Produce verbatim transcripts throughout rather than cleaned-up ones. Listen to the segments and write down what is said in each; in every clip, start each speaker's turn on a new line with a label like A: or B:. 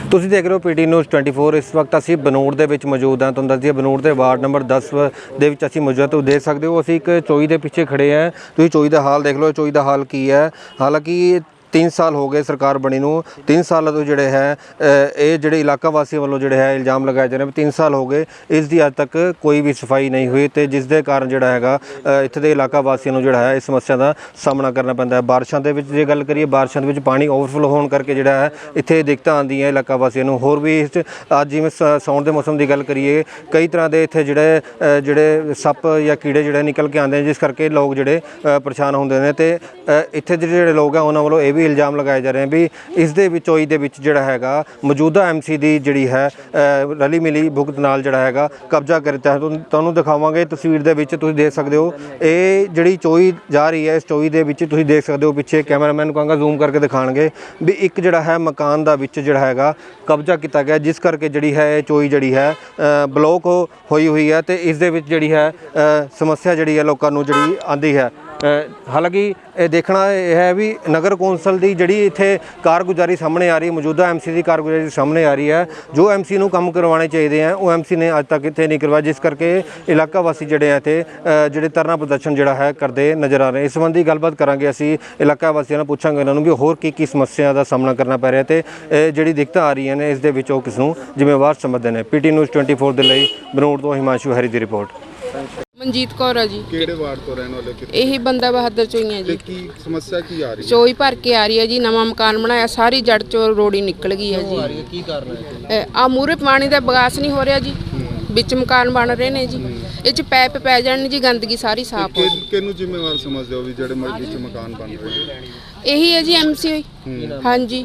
A: ਤੁਸੀਂ ਦੇਖ ਰਹੇ ਹੋ ਪੀਟੀ ਨਿਊਜ਼ ਟਵੈਂਟੀ फोर। इस वक्त ਅਸੀਂ ਬਨੂੜ ਦੇ ਵਿੱਚ ਮੌਜੂਦ ਹਾਂ। ਤੁਹਾਨੂੰ ਦੱਸ ਦਈਏ ਬਨੂੜ ਦੇ ਵਾਰਡ ਨੰਬਰ दस ਦੇ ਵਿੱਚ ਅਸੀਂ ਮੌਜੂਦ। ਤੁਸੀਂ ਦੇਖ ਸਕਦੇ ਹੋ ਅਸੀਂ ਇੱਕ ਚੋਈ ਦੇ ਪਿੱਛੇ ਖੜੇ ਹਾਂ। ਤੁਸੀਂ ਚੋਈ ਦਾ ਹਾਲ ਦੇਖ ਲਓ। ਚੋਈ ਦਾ ਹਾਲ ਕੀ ਹੈ। ਹਾਲਾਂਕਿ तीन साल हो गए सरकार बनी नूं। तीन साल तो जोड़े है ये जोड़े इलाका वासियों वालों जोड़े है इल्जाम लगाए जा रहे हैं। तीन साल हो गए इस दी अज तक कोई भी सफाई नहीं हुई तो जिस दे कारण जोड़ा है इत्थे दे इलाका वासियों नूं जोड़ा है इस समस्या का सामना करना पैंदा है। बारिशों के जे गल करिए बारिशों के पानी ओवरफ्लो होने करके जोड़ा है इत्थे दिक्कतां आंदियां इलाका वासियों नूं। होर भी इस अज जिवें साउण के मौसम की गल करिए कई तरह के इत्थे जोड़े जोड़े सप या कीड़े जोड़े निकल के आते हैं जिस करके लोग जोड़े परेशान होंदे ने ते इत्थे दे जोड़े लोग हैं उन्हां वालों ये भी इल्जाम लगाए जा रहे हैं भी इस दे विच चोई दे विच जिहड़ा हैगा मौजूदा एम सी दी जिहड़ी है रली मिली भुगत नाल जिहड़ा हैगा कब्जा करता है। तुहानूं दिखावांगे तस्वीर दे विच तुसीं देख सकदे हो ये जिहड़ी चोई जा रही है इस चोई दे विच तुसीं देख सकदे हो पिछे कैमरामैन कहांगा जूम करके दिखाणगे भी एक जिहड़ा है मकान दा विच जिहड़ा हैगा कब्जा किया गया जिस करके जिहड़ी है चोई जिहड़ी है ब्लॉक होई हुई है ते इस दे विच जिहड़ी है समस्या जिहड़ी है लोकां नूं जिहड़ी आंदी है। हालांकि देखना यह है भी नगर कौंसल की जी इत्थे कारगुजारी सामने आ रही है मौजूदा एम सी की कारगुजारी सामने आ रही है जो एम सी नूं काम करवाने चाहिए हैं वो एम सी ने अज तक इत्थे नहीं करवाया जिस करके इलाका वासी जिहड़े हैं इत्थे जिहड़े धरना प्रदर्शन जिहड़ा है करते नज़र आ रहे हैं। इस संबंधी गलबात करांगे असीं इलाका वासियों नाल पुछांगे उन्हां नूं भी होर की की समस्या का सामना करना पै रहा है ते जिहड़ी दिक्कतां आ रही हैं इस दे विच ओह किस नूं जिम्मेवार समझदे ने। पीटी न्यूज़ ट्वेंटी फोर के लिए बनूड़ तो हिमांशु हैरी की रिपोर्ट।
B: ਮਨਜੀਤ ਕੌਰ ਆ ਜੀ।
C: ਕਿਹੜੇ ਵਾਰਡ ਤੋਂ ਰਹਿਣ ਵਾਲੇ ਕਿੱਥੇ?
B: ਇਹੀ ਬੰਦਾ ਬਹਾਦਰ ਚੋਈਆਂ
C: ਤੇ
B: ਜੀ।
C: ਕੀ ਸਮੱਸਿਆ ਕੀ ਆ ਰਹੀ ਹੈ?
B: ਚੋਈ ਭਰ ਕੇ ਆ ਰਹੀ ਹੈ ਜੀ। ਨਵਾਂ ਮਕਾਨ ਬਣਾਇਆ ਸਾਰੀ ਜੜ ਚੋਂ ਰੋੜੀ ਨਿਕਲ ਗਈ ਹੈ ਜੀ।
C: ਕੀ ਕਾਰਨ ਹੈ?
B: ਆ ਮੂਰੇ ਪਾਣੀ ਦਾ ਬਗਾਸ ਨਹੀਂ ਹੋ ਰਿਹਾ ਜੀ। ਵਿੱਚ ਮਕਾਨ ਬਣ ਰਹੇ ਨੇ ਜੀ ਇਹ ਚ ਪੈਪ ਪੈ ਜਾਣ ਜੀ ਗੰਦਗੀ ਸਾਰੀ ਸਾਫ਼ ਹੋ ਜੀ।
C: ਕਿਹਨੂੰ ਜ਼ਿੰਮੇਵਾਰ ਸਮਝਦੇ ਹੋ ਵੀ ਜਿਹੜੇ ਵਿੱਚ ਮਕਾਨ ਬਣ ਰਹੇ ਨੇ?
B: ਇਹੀ ਹੈ ਜੀ ਐਮ ਸੀ ਹੋਈ। ਹਾਂਜੀ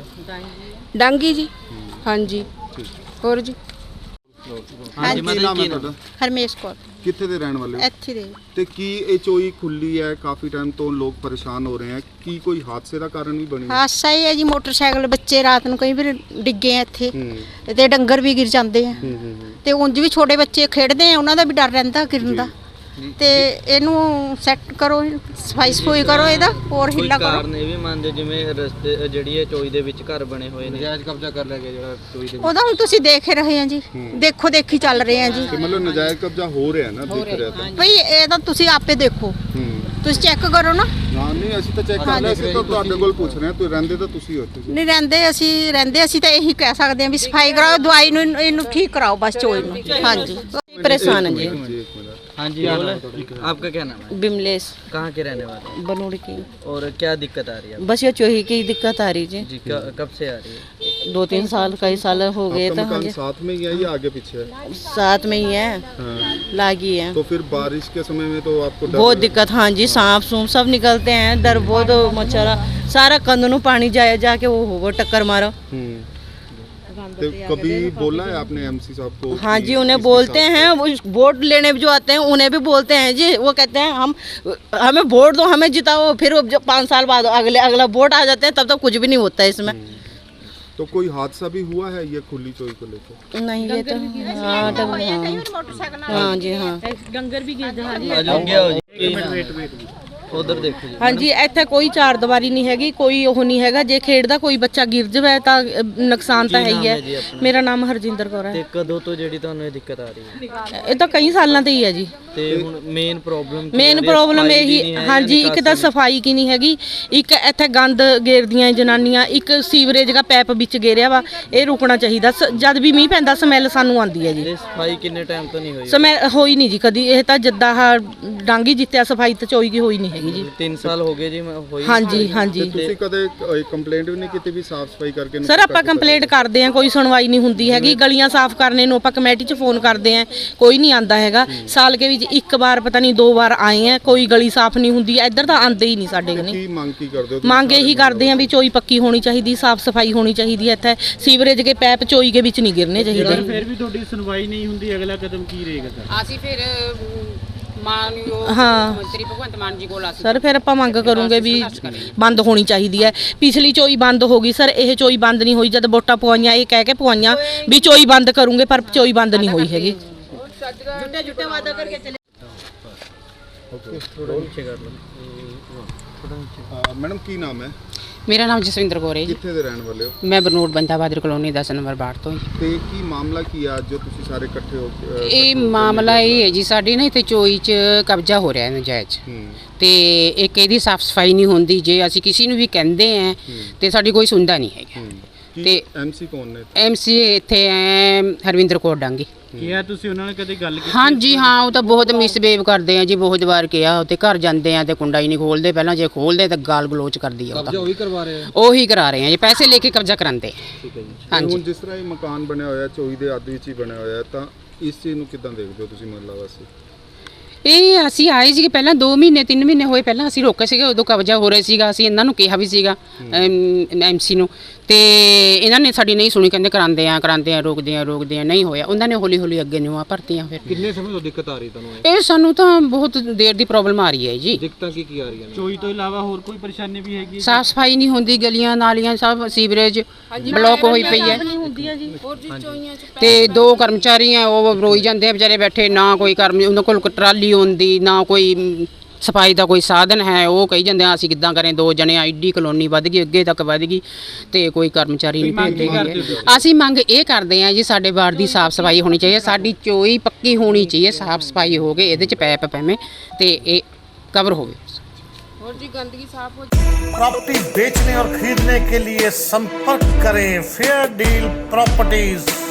B: ਡਾਂਗੀ ਜੀ। ਹਾਂਜੀ ਹੋਰ ਜੀ
C: ਹਾਂਜੀ ਕੀ ਨਾਮ ਹੈ ਤੁਹਾਡਾ?
D: ਹਰਮੇਸ਼ ਕੌਰ।
C: ਕਿੱਥੇ ਦੇ ਰਹਿਣ ਵਾਲੇ ਹੋ?
D: ਇੱਥੇ ਦੇ।
C: ਤੇ ਕੀ ਇਹ ਚੋਈ ਖੁੱਲੀ ਹੈ ਕਾਫੀ ਟਾਈਮ ਤੋਂ ਲੋਕ ਪਰੇਸ਼ਾਨ ਹੋ ਰਹੇ ਹਨ ਕੀ ਕੋਈ ਹਾਦਸੇ ਦਾ ਕਾਰਨ ਵੀ ਬਣੀ?
D: ਹਾਦਸਾ ਹੀ ਹੈ ਜੀ ਮੋਟਰਸਾਈਕਲ ਬੱਚੇ ਰਾਤ ਨੂੰ ਕਈ ਵਾਰ ਡਿੱਗੇ ਆ ਇੱਥੇ ਤੇ ਡੰਗਰ ਵੀ ਗਿਰ ਜਾਂਦੇ ਆ ਤੇ ਉਂਝ ਵੀ ਛੋਟੇ ਬੱਚੇ ਖੇਡਦੇ ਆ ਉਹਨਾਂ ਦਾ ਵੀ ਡਰ ਰਹਿੰਦਾ ਗਿਰਨ ਦਾ ਤੇ ਇਹਨੂੰ ਸੈੱਟ ਕਰੋ ਸਫਾਈ ਸਫੂਈ ਕਰੋ ਇਹਦਾ ਹੋਰ ਹਿੱਲਾ ਕਰੋ।
E: ਕਾਰਨ ਇਹ ਵੀ ਮੰਨਦੇ ਜਿਵੇਂ ਰਸਤੇ ਜਿਹੜੀ ਇਹ ਚੋਈ ਦੇ ਵਿੱਚ ਘਰ ਬਣੇ ਹੋਏ ਨੇ ਨਜਾਇਜ਼ ਕਬਜ਼ਾ ਕਰ ਲਿਆ ਗਿਆ ਜਿਹੜਾ ਚੋਈ ਦੇ
D: ਉਹਦਾ ਹੁਣ ਤੁਸੀਂ ਦੇਖ ਰਹੇ ਆ ਜੀ ਦੇਖੋ ਦੇਖੀ ਚੱਲ ਰਹੇ ਆ ਜੀ
C: ਤੇ ਮਤਲਬ ਨਜਾਇਜ਼ ਕਬਜ਼ਾ ਹੋ ਰਿਹਾ ਨਾ ਦਿਖ ਰਿਹਾ ਤਾਂ
D: ਭਈ ਇਹ ਤਾਂ ਤੁਸੀਂ ਆਪੇ ਦੇਖੋ ਤੁਸੀਂ ਚੈੱਕ ਕਰੋ ਨਾ।
C: ਨਾ ਨਹੀਂ ਅਸੀਂ ਤਾਂ ਚੈੱਕ ਕਰ ਲਿਆ ਅਸੀਂ ਤਾਂ ਤੁਹਾਡੇ ਕੋਲ ਪੁੱਛ ਰਹੇ ਹਾਂ ਤੁਸੀਂ ਰਹਿੰਦੇ ਤਾਂ ਤੁਸੀਂ ਹੋ ਇੱਥੇ
D: ਨਹੀਂ ਰਹਿੰਦੇ ਅਸੀਂ ਰਹਿੰਦੇ ਅਸੀਂ ਤਾਂ ਇਹੀ ਕਹਿ ਸਕਦੇ ਆ ਵੀ ਸਫਾਈ ਕਰਾਓ ਦਵਾਈ ਨੂੰ ਇਹਨੂੰ ਠੀਕ ਕਰਾਓ ਬਸ ਚੋਈ ਨੂੰ। ਹਾਂਜੀ
B: परेशान है जी।
E: हाँ जी आपका क्या नाम है?
F: बिमलेश।
E: कहाँ के रहने वाले हैं?
F: बनूड़ की।
E: और क्या दिक्कत आ रही है?
F: बस ये चोही की दिक्कत आ रही जी।
E: जी कब से आ रही है?
F: दो तीन साल कई साल हो गए
C: आपका
F: तो हाँ
C: मकान
F: जी
C: साथ में ही है या आगे पीछे है?
F: साथ में ही है
C: हाँ।
F: लागी है
C: तो फिर बारिश के समय में तो आपको डर
F: बहुत दिक्कत। हाँ जी सांप सूप सब निकलते हैं डर बहुत मच्छरा सारा कंध नू पानी जाए जाके वो हो टक्कर मारो।
C: तो कभी बोला है आपने एमसी साहब को?
F: हाँ जी उन्हें बोलते हैं वो वोट लेने जो आते हैं उन्हें भी बोलते हैं जी वो कहते हैं हम हमें वोट दो हमें जिताओ फिर जब पाँच साल बाद अगले अगला वोट आ जाते हैं तब तक कुछ भी नहीं होता है इसमें।
C: तो कोई हादसा भी हुआ है ये खुली चोई को लेकर?
F: नहीं ये तो हाँ हाँ हाँ जी हाँ
D: ਡੰਗਰ ਵੀ ਗਿਰਦੇ
E: उधर देखो जी।
F: हाँ जी ਇੱਥੇ ਕੋਈ ਚਾਰ ਦੀਵਾਰੀ ਨਹੀਂ ਹੈਗੀ ਕੋਈ ਉਹ ਨਹੀਂ ਹੈਗਾ ਜੇ ਖੇਡਦਾ ਕੋਈ ਬੱਚਾ ਗਿਰ ਜਾਵੇ ਤਾਂ ਨੁਕਸਾਨ ਤਾਂ ਹੈ ਹੀ ਹੈ। ਮੇਰਾ ਨਾਮ ਹਰਜਿੰਦਰ ਕੌਰ ਹੈ।
E: ਤੇ ਕਦੋਂ ਤੋਂ ਜਿਹੜੀ ਤੁਹਾਨੂੰ ਇਹ ਦਿੱਕਤ ਆ ਰਹੀ ਹੈ?
F: ਇਹ ਤਾਂ ਕਈ ਸਾਲਾਂ ਤੋਂ ਹੀ ਹੈ ਜੀ।
E: ਤੇ ਹੁਣ ਮੇਨ ਪ੍ਰੋਬਲਮ
F: ਮੇਨ ਪ੍ਰੋਬਲਮ ਇਹੀ ਹਾਂਜੀ ਇੱਕ ਤਾਂ ਸਫਾਈ ਕੀ ਨਹੀਂ ਹੈਗੀ ਇੱਕ ਇੱਥੇ ਗੰਦ ਗੇਰਦੀਆਂ ਜਨਾਨੀਆਂ ਇੱਕ ਸੀਵਰੇਜ ਦਾ ਪੈਪ ਵਿੱਚ ਗੇਰਿਆ ਵਾ ਇਹ ਰੁਕਣਾ ਚਾਹੀਦਾ ਜਦ ਵੀ ਮੀਂਹ ਪੈਂਦਾ ਸਮੈਲ ਸਾਨੂੰ ਆਉਂਦੀ ਹੈ ਜੀ।
E: ਸਫਾਈ ਕਿੰਨੇ ਟਾਈਮ ਤੋਂ ਨਹੀਂ ਹੋਈ?
F: ਸਮੈਲ ਹੋਈ ਨਹੀਂ ਜੀ ਕਦੀ ਇਹ ਤਾਂ ਜਿੱਦਾਂ ਡਾਂਗੀ ਜਿੱਤਿਆ ਸਫਾਈ ਤਾਂ ਚੋਈ ਦੀ ਹੋਈ ਨਹੀਂ ਹੈਗੀ ਜੀ।
E: तीन साल हो गए जी होई?
F: ਹਾਂਜੀ ਹਾਂਜੀ
C: ਤੁਸੀਂ ਕਦੇ ਕੰਪਲੇਂਟ ਵੀ ਨਹੀਂ ਕੀਤੀ ਵੀ ਸਾਫ਼ ਸਫਾਈ ਕਰਕੇ?
F: ਸਰ ਆਪਾਂ ਕੰਪਲੇਂਟ ਕਰਦੇ ਆ ਕੋਈ ਸੁਣਵਾਈ ਨਹੀਂ ਹੁੰਦੀ ਹੈਗੀ ਗਲੀਆਂ ਸਾਫ਼ ਕਰਨੇ ਨੂੰ ਆਪਾਂ ਕਮੇਟੀ 'ਚ ਫੋਨ ਕਰਦੇ ਆ ਕੋਈ ਨਹੀਂ ਆਂਦਾ ਹੈਗਾ ਸਾਲ ਕੇ ਵਿੱਚ ਇੱਕ ਵਾਰ ਪਤਾ ਨਹੀਂ ਦੋ ਵਾਰ ਆਏ ਆ ਕੋਈ ਗਲੀ ਸਾਫ਼ ਨਹੀਂ ਹੁੰਦੀ ਇੱਧਰ ਤਾਂ ਆਂਦੇ ਹੀ ਨਹੀਂ ਸਾਡੇ ਕਨੇ।
C: ਕੀ ਮੰਗ ਕੀ ਕਰਦੇ ਹੋ?
F: ਮੰਗ ਇਹੀ ਕਰਦੇ ਆ ਵੀ ਚੋਈ ਪੱਕੀ ਹੋਣੀ ਚਾਹੀਦੀ ਸਾਫ਼ ਸਫਾਈ ਹੋਣੀ ਚਾਹੀਦੀ ਹੈ ਇੱਥੇ ਸੀਵਰੇਜ ਕੇ ਪੈਪ ਚੋਈ ਕੇ ਵਿੱਚ ਨਹੀਂ ਗਿਰਨੇ ਚਾਹੀਦੇ।
G: ਫਿਰ ਵੀ ਤੁਹਾਡੀ ਸੁਣਵਾਈ ਨਹੀਂ ਹੁੰਦੀ ਅਗਲਾ ਕਦਮ ਕੀ ਰਹੇਗਾ ਸਰ?
B: ਅਸੀਂ ਫਿਰ ਮਾਨਯੋਗ
F: ਹਾਂ
B: ਮੰਤਰੀ ਭਗਵੰਤ ਮਾਨ ਜੀ ਕੋਲ ਅਸੀਂ
F: ਸਰ ਫਿਰ ਆਪਾਂ ਮੰਗ ਕਰੂੰਗੇ ਵੀ ਬੰਦ ਹੋਣੀ ਚਾਹੀਦੀ ਹੈ। ਪਿਛਲੀ ਚੋਈ ਬੰਦ ਹੋ ਗਈ ਸਰ ਇਹ ਚੋਈ ਬੰਦ ਨਹੀਂ ਹੋਈ ਜਦ ਵੋਟਾਂ ਪਵਾਈਆਂ ਇਹ ਕਹਿ ਕੇ ਪਵਾਈਆਂ ਵੀ ਚੋਈ ਬੰਦ ਕਰੂੰਗੇ ਪਰ ਚੋਈ ਬੰਦ ਨਹੀਂ ਹੋਈ ਹੈਗੀ।
D: ਜੁੱਟੇ ਜੁੱਟੇ ਵਾਦਾ ਕਰਕੇ ਚਲੇ
C: मैडम की नाम है?
H: ਮੇਰਾ ਨਾਮ ਜਸਵਿੰਦਰ ਕੌਰ ਹੈ ਜੀ।
C: ਕਿੱਥੇ ਦੇ ਰਹਿਣ ਵਾਲੇ ਹੋ?
H: ਮੈਂ ਬਰਨੂੜ ਬੰਦਾ ਬਹਾਦਰ ਕਲੋਨੀ ਦਸ ਨੰਬਰ ਵਾਰਡ ਤੋਂ ਜੀ।
C: ਤੇ ਕੀ ਮਾਮਲਾ ਕੀ ਆ ਅੱਜ ਜੋ ਤੁਸੀਂ ਸਾਰੇ ਇਕੱਠੇ ਹੋ ਕੇ, ਅ,
H: ਇਹ
C: ਇਕੱਠੇ ਹੋ ਕੇ
H: ਮਾਮਲਾ
C: ਮਿਲੇ?
H: ਇਹ ਹੈ ਜੀ, ਸਾਡੀ ਨਾ ਇੱਥੇ ਚੋਈ 'ਚ ਕਬਜ਼ਾ ਹੋ ਰਿਹਾ ਹੈ ਨਜਾਇਜ਼,
C: ਹੂੰ
H: ਤੇ ਇੱਕ ਇਹਦੀ ਸਾਫ ਸਫਾਈ ਨਹੀਂ ਹੁੰਦੀ। ਜੇ ਅਸੀਂ ਕਿਸੇ ਨੂੰ ਵੀ ਕਹਿੰਦੇ ਆ ਤੇ ਸਾਡੀ ਕੋਈ ਸੁਣਦਾ ਨਹੀਂ ਹੈਗਾ।
C: ਹੂੰ
H: ਤੇ
C: ਤੇ ਐਮਸੀ ਕੌਣ ਨੇ?
H: ਐਮਸੀ ਇੱਥੇ ਹੈ ਹਰਵਿੰਦਰ ਕੌਰ ਡਾਂਗੀ।
G: ਕੀ ਆ ਤੁਸੀਂ ਉਹਨਾਂ ਨਾਲ ਕਦੇ ਗੱਲ ਕੀਤੀ?
H: ਹਾਂਜੀ ਹਾਂ, ਉਹ ਤਾਂ ਬਹੁਤ ਮਿਸਬਿਹੇਵ ਕਰਦੇ ਆ ਜੀ। ਬਹੁਤ ਵਾਰ ਕਿਹਾ, ਉੱਤੇ ਘਰ ਜਾਂਦੇ ਆ ਤੇ ਕੁੰਡਾ ਹੀ ਨਹੀਂ ਖੋਲਦੇ। ਪਹਿਲਾਂ ਜੇ ਖੋਲਦੇ ਤਾਂ ਗਾਲ ਗਲੋਚ ਕਰਦੀ ਆ। ਉਹ ਤਾਂ
E: ਉਹੀ ਕਰਵਾ ਰਹੇ ਆ।
H: ਉਹੀ ਕਰਾ ਰਹੇ ਆ ਜੀ, ਪੈਸੇ ਲੈ ਕੇ ਕਬਜ਼ਾ ਕਰਾਉਂਦੇ ਆ।
E: ਠੀਕ ਹੈ ਜੀ।
C: ਤੇ
H: ਹਾਂਜੀ
C: ਹੁਣ ਜਿਸ ਤਰ੍ਹਾਂ ਇਹ ਮਕਾਨ ਬਣਿਆ ਹੋਇਆ ਚੋਈ ਦੇ ਅੱਧ ਵਿੱਚ ਹੀ ਬਣਿਆ ਹੋਇਆ, ਤਾਂ ਇਸ ਚੀਜ਼ ਨੂੰ ਕਿੱਦਾਂ ਦੇਖਦੇ ਹੋ ਤੁਸੀਂ ਮਹੱਲਾ ਵਾਸੀ?
H: ਇਹ ਅਸੀਂ ਆਏ ਸੀਗੇ ਪਹਿਲਾਂ ਦੋ ਮਹੀਨੇ ਤਿੰਨ ਮਹੀਨੇ ਹੋਏ ਪਹਿਲਾਂ ਅਸੀਂ ਰੋਕੇ ਸੀਗੇ, ਉਦੋਂ ਕਬਜ਼ਾ ਹੋ ਰਿਹਾ ਸੀਗਾ। ਅਸੀਂ ਇਹਨਾਂ ਨੂੰ ਕਿਹਾ ਵੀ ਸੀਗਾ ਐਮਸੀ ਨੂੰ, ਤੇ ਇਹਨਾਂ ਨੇ ਸਾਡੀ ਨਹੀਂ ਸੁਣੀ। ਕਹਿੰਦੇ ਕਰਾਉਂਦੇ ਆ ਕਰਾਉਂਦੇ ਆ ਰੋਕਦੇ ਆ ਰੋਕਦੇ ਆ, ਨਹੀਂ ਹੋਇਆ। ਉਹਨਾਂ ਨੇ ਹੌਲੀ ਹੌਲੀ ਅੱਗੇ ਨਿਊਆਂ ਭਰਤੀਆਂ। ਫਿਰ
E: ਕਿੰਨੇ ਸਮੇਂ ਤੋਂ ਦਿੱਕਤ ਆ ਰਹੀ ਤੁਹਾਨੂੰ?
H: ਇਹ ਸਾਨੂੰ ਤਾਂ ਬਹੁਤ ਦੇਰ ਦੀ ਪ੍ਰੋਬਲਮ ਆ ਰਹੀ ਹੈ ਜੀ।
E: ਦਿੱਕਤਾਂ ਕੀ ਕੀ ਆ ਰਹੀਆਂ ਨੇ?
G: ਚੋਈ ਤੋਂ ਇਲਾਵਾ ਹੋਰ ਕੋਈ ਪਰੇਸ਼ਾਨੀ ਵੀ ਹੈਗੀ?
H: ਸਾਫ ਸਫਾਈ ਨਹੀਂ ਹੁੰਦੀ, ਗਲੀਆਂ ਨਾਲੀਆਂ ਸਭ ਸੀਵਰੇਜ ਬਲੌਕ ਹੋਈ ਪਈ ਹੈ। ਤੇ ਦੋ ਕਰਮਚਾਰੀ ਆ, ਉਹ ਰੋਈ ਜਾਂਦੇ ਆ ਵਿਚਾਰੇ ਬੈਠੇ। ਨਾ ਕੋਈ ਕਰਮ, ਉਹਨਾਂ ਕੋਲ ਟਰਾਲੀ ਹੁੰਦੀ, ਨਾ ਕੋਈ ਸਫਾਈ ਦਾ ਕੋਈ ਸਾਧਨ ਹੈ। ਉਹ ਕਹੀ ਜਾਂਦੇ ਆ ਅਸੀਂ ਕਿੱਦਾਂ ਕरें, ਦੋ ਜਣੇ ਆਈਡੀ ਕਲੋਨੀ ਵੱਧ ਗਈ, ਅੱਗੇ ਤੱਕ ਵੱਧ ਗਈ, ਤੇ ਕੋਈ ਕਰਮਚਾਰੀ ਨਹੀਂ ਭੇਜਦੇ ਗਏ। ਅਸੀਂ ਮੰਗ ਇਹ ਕਰਦੇ ਆ ਜੀ, ਸਾਡੇ ਵਾਰਡ ਦੀ ਸਾਫ ਸਫਾਈ ਹੋਣੀ ਚਾਹੀਏ, ਸਾਡੀ ਚੋਈ ਪੱਕੀ ਹੋਣੀ ਚਾਹੀਏ, ਸਾਫ ਸਫਾਈ ਹੋ ਗਏ, ਇਹਦੇ ਚ ਪੈਪ ਪੈਵੇਂ ਤੇ ਇਹ ਕਵਰ ਹੋਵੇ।
B: और जी गंदगी साफ हो
I: प्रॉपर्टी बेचने और खरीदने के लिए संपर्क करें फेयर डील प्रॉपर्टीज।